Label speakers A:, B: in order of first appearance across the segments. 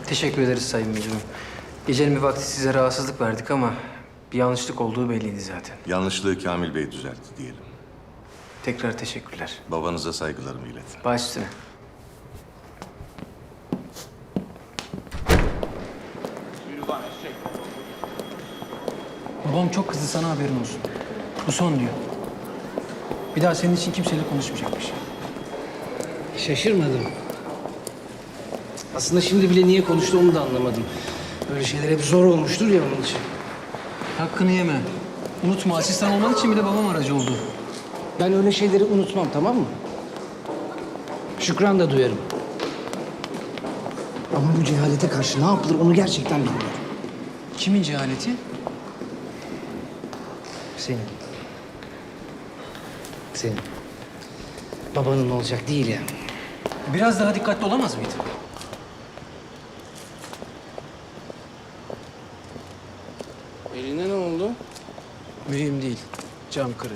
A: Teşekkür ederiz Sayın Müdürüm. Gecenin bir vakti size rahatsızlık verdik ama bir yanlışlık olduğu belliydi zaten.
B: Yanlışlığı Kamil Bey düzeltti diyelim.
A: Tekrar teşekkürler.
B: Babanıza saygılarımı iletin.
A: Baş üstüne. Babam çok kızdı, sana haberin olsun. Bu son diyor. Bir daha senin için kimseyle konuşmayacakmış.
C: Şaşırmadım. Aslında şimdi bile niye konuştu onu da anlamadım. Böyle şeyler hep zor olmuştur ya onun için.
A: Hakkını yeme. Unutma, asistan olman için bile babam aracı oldu.
C: Ben öyle şeyleri unutmam, tamam mı? Şükran da duyarım. Ama bu cehalete karşı ne yapılır onu gerçekten bilmiyorum.
A: Kimin cehaleti?
C: Senin. Senin. Babanın olacak değil ya.
A: Biraz daha dikkatli olamaz mıydın?
C: Eline ne oldu?
A: Mühim değil. Cam kırık.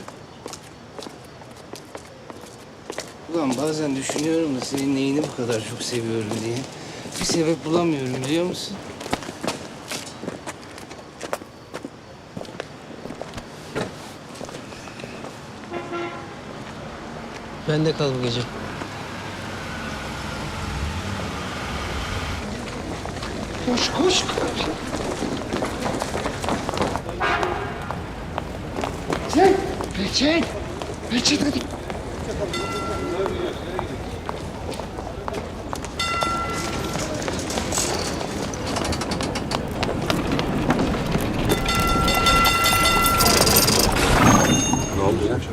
C: Ulan bazen düşünüyorum da senin neyini bu kadar çok seviyorum diye. Bir sebep bulamıyorum biliyor musun?
A: Ben de kal bu gece.
C: Koş koş. Peçet. Peçet hadi.
B: Ne oldu ya?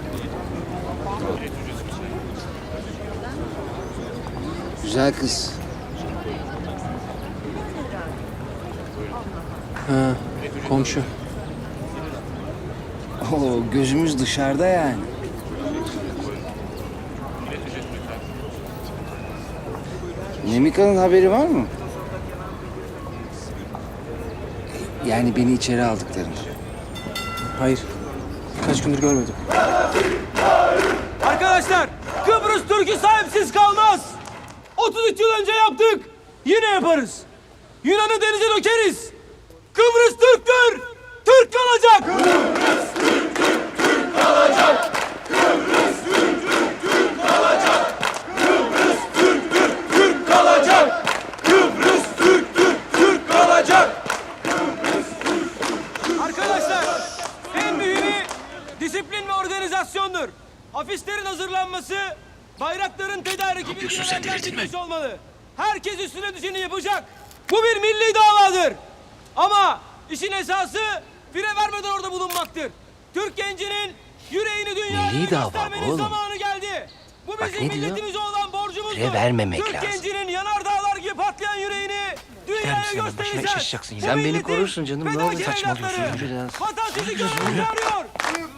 C: Güzel kız.
A: Ha, komşu.
C: Oo, gözümüz dışarıda yani. Nemika'nın haberi var mı? Yani beni içeri aldıklarını.
A: Hayır. Kaç gündür görmedim.
D: Arkadaşlar, Kıbrıs Türk'ü sahipsiz kalmaz. 33 yıl önce yaptık, yine yaparız. Yunan'ı denize dökeriz. Kıbrıs Türk'tür, Türk kalacak. Kıbrıs Türk'tür, Türk kalacak. Kıbrıs Türk'tür, Türk kalacak. Kıbrıs Türk'tür, Türk kalacak. Kıbrıs Türk'tür, Türk kalacak. Arkadaşlar, en mühimi disiplin ve organizasyondur. Afişlerin hazırlanması, bayrakların tedariki bilgilendirilmiş olmalı. Herkes üstüne düşeni yapacak. Bu bir milli davadır. Ama işin esası fire vermeden orada bulunmaktır. Türk gencinin yüreğini dünyaya
C: Milli dava
D: göstermenin
C: oğlum.
D: zamanı geldi. Bu
C: Bak
D: bizim
C: ne diyor?
D: milletimize olan borcumuzdur.
C: Fire vermemek
D: Türk
C: lazım.
D: gencinin yanardağlar gibi patlayan yüreğini dünyaya göstereceğiz. Bu
C: Sen beni
D: milletin
C: korursun canım. Ne oldu
D: fedakar
C: saçmalıyorsun?
D: evlatları.
C: Yürü lan.
D: Vatan sizi görmeye çağırıyor.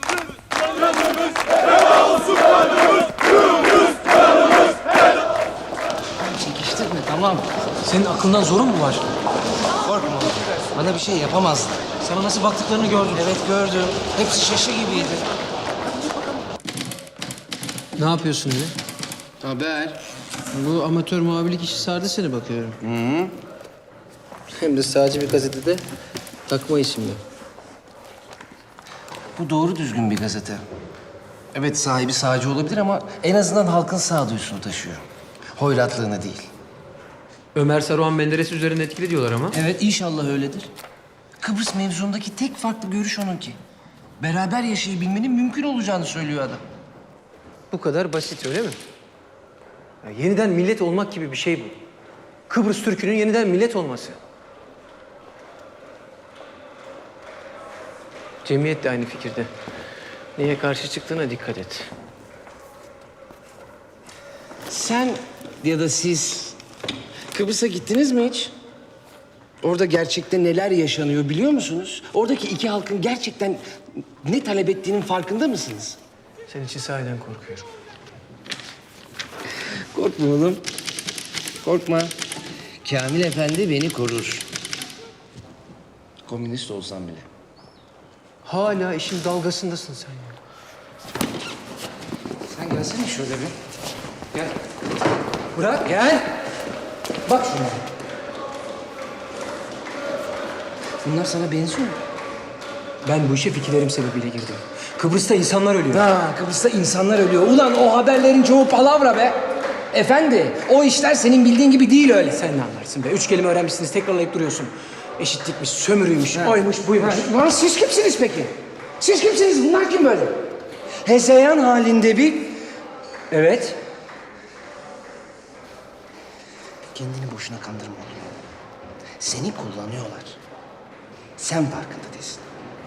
C: Çekiştirme tamam.
A: Senin aklından zorun mu var?
C: Korkma oğlum. Bana bir şey yapamazlar.
A: Sana nasıl baktıklarını gördüm.
C: Evet gördüm. Hepsi şaşı gibiydi.
A: Ne yapıyorsun yine?
C: Haber.
A: Bu amatör muhabirlik işi sardı seni bakıyorum. Hem de sağcı bir gazetede takma isimli.
C: Bu doğru düzgün bir gazete. Evet sahibi sağcı olabilir ama en azından halkın sağduyusunu taşıyor. Hoyratlığını değil.
A: Ömer Saruhan Menderes üzerine etkili diyorlar ama.
C: Evet inşallah öyledir. Kıbrıs mevzundaki tek farklı görüş onunki. Beraber yaşayabilmenin mümkün olacağını söylüyor adam.
A: Bu kadar basit öyle mi? Ya yeniden millet olmak gibi bir şey bu. Kıbrıs Türk'ünün yeniden millet olması. Cemiyet de aynı fikirde. Niye karşı çıktığına dikkat et.
C: Sen ya da siz Kıbrıs'a gittiniz mi hiç? Orada gerçekten neler yaşanıyor biliyor musunuz? Oradaki iki halkın gerçekten ne talep ettiğinin farkında mısınız?
A: Senin için sahiden korkuyorum.
C: Korkma oğlum. Korkma. Kamil Efendi beni korur. Komünist olsam bile.
A: Hala işin dalgasındasın sen ya.
C: Sen gelsene şöyle bir. Gel.
A: Bırak.
C: Gel. Bak şuna. Bunlar sana benziyor mu?
A: Ben bu işe fikirlerim sebebiyle girdim. Kıbrıs'ta insanlar ölüyor.
C: Ha, Kıbrıs'ta insanlar ölüyor. Ulan o haberlerin çoğu palavra be. Efendi, o işler senin bildiğin gibi değil öyle.
A: Sen ne anlarsın be? 3 kelime öğrenmişsiniz, tekrarlayıp duruyorsun. Eşitlikmiş, sömürüymüş, oymuş, buymuş.
C: Lan siz kimsiniz peki? Siz kimsiniz? Bunlar kim böyle? Hezeyan halinde bir...
A: Evet.
C: Kendini boşuna kandırma oğlum. Seni kullanıyorlar. Sen farkında değilsin.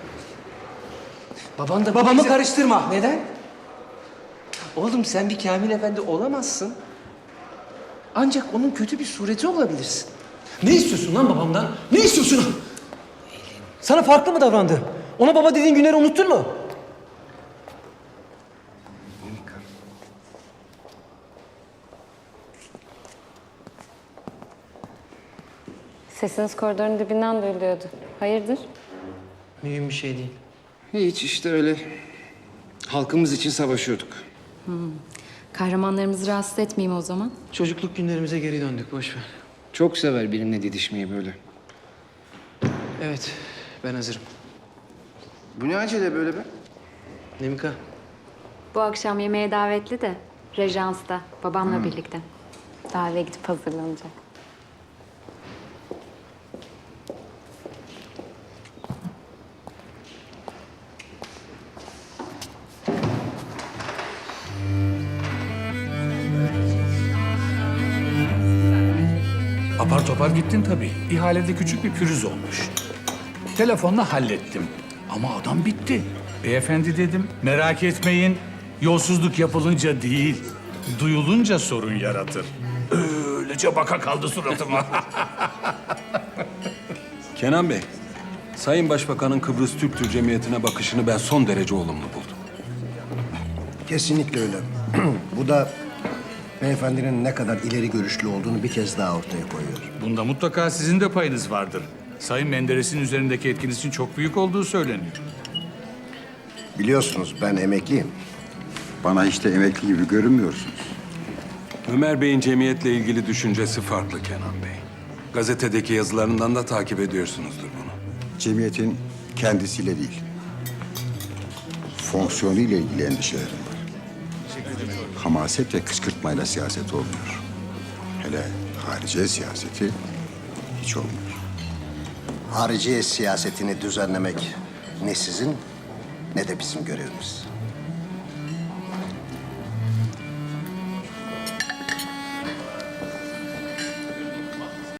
C: Baban da...
A: Babamı karıştırma.
C: Neden? Oğlum sen bir Kamil Efendi olamazsın. Ancak onun kötü bir sureti olabilirsin.
A: Ne istiyorsun lan babamdan? Ne istiyorsun? Sana farklı mı davrandı? Ona baba dediğin günleri unuttun mu?
E: Sesiniz koridorun dibinden duyuluyordu. Hayırdır?
A: Mühim bir şey değil.
C: Hiç işte öyle. Halkımız için savaşıyorduk.
E: Kahramanlarımızı rahatsız etmeyeyim o zaman.
A: Çocukluk günlerimize geri döndük, boş ver.
C: Çok sever benimle didişmeyi böyle.
A: Evet, ben hazırım.
C: Bu ne acele böyle be?
A: Nemika,
E: Bu akşam yemeğe davetli de Rejans'ta babamla birlikte. Daha eve gidip hazırlanacak.
F: Apar topar gittin tabii. İhalede küçük bir pürüz olmuş. Telefonla hallettim. Ama adam bitti. Beyefendi dedim, merak etmeyin. Yolsuzluk yapılınca değil, duyulunca sorun yaratır. Öylece baka kaldı suratıma.
G: Kenan Bey, Sayın Başbakan'ın Kıbrıs Türk Tür Cemiyeti'ne bakışını ben son derece olumlu buldum.
H: Kesinlikle öyle. Bu da beyefendinin ne kadar ileri görüşlü olduğunu bir kez daha ortaya koyuyor.
F: Bunda mutlaka sizin de payınız vardır. Sayın Menderes'in üzerindeki etkinizin çok büyük olduğu söyleniyor.
H: Biliyorsunuz ben emekliyim.
I: Bana hiç de emekli gibi görünmüyorsunuz.
G: Ömer Bey'in cemiyetle ilgili düşüncesi farklı Kenan Bey. Gazetedeki yazılarından da takip ediyorsunuzdur bunu.
I: Cemiyetin kendisiyle değil, fonksiyonuyla ilgili endişelerim var. Hamaset ve kışkırtmayla siyaset olmuyor. Hele hariciye siyaseti hiç olmuyor.
H: Hariciye siyasetini düzenlemek ne sizin ne de bizim görevimiz.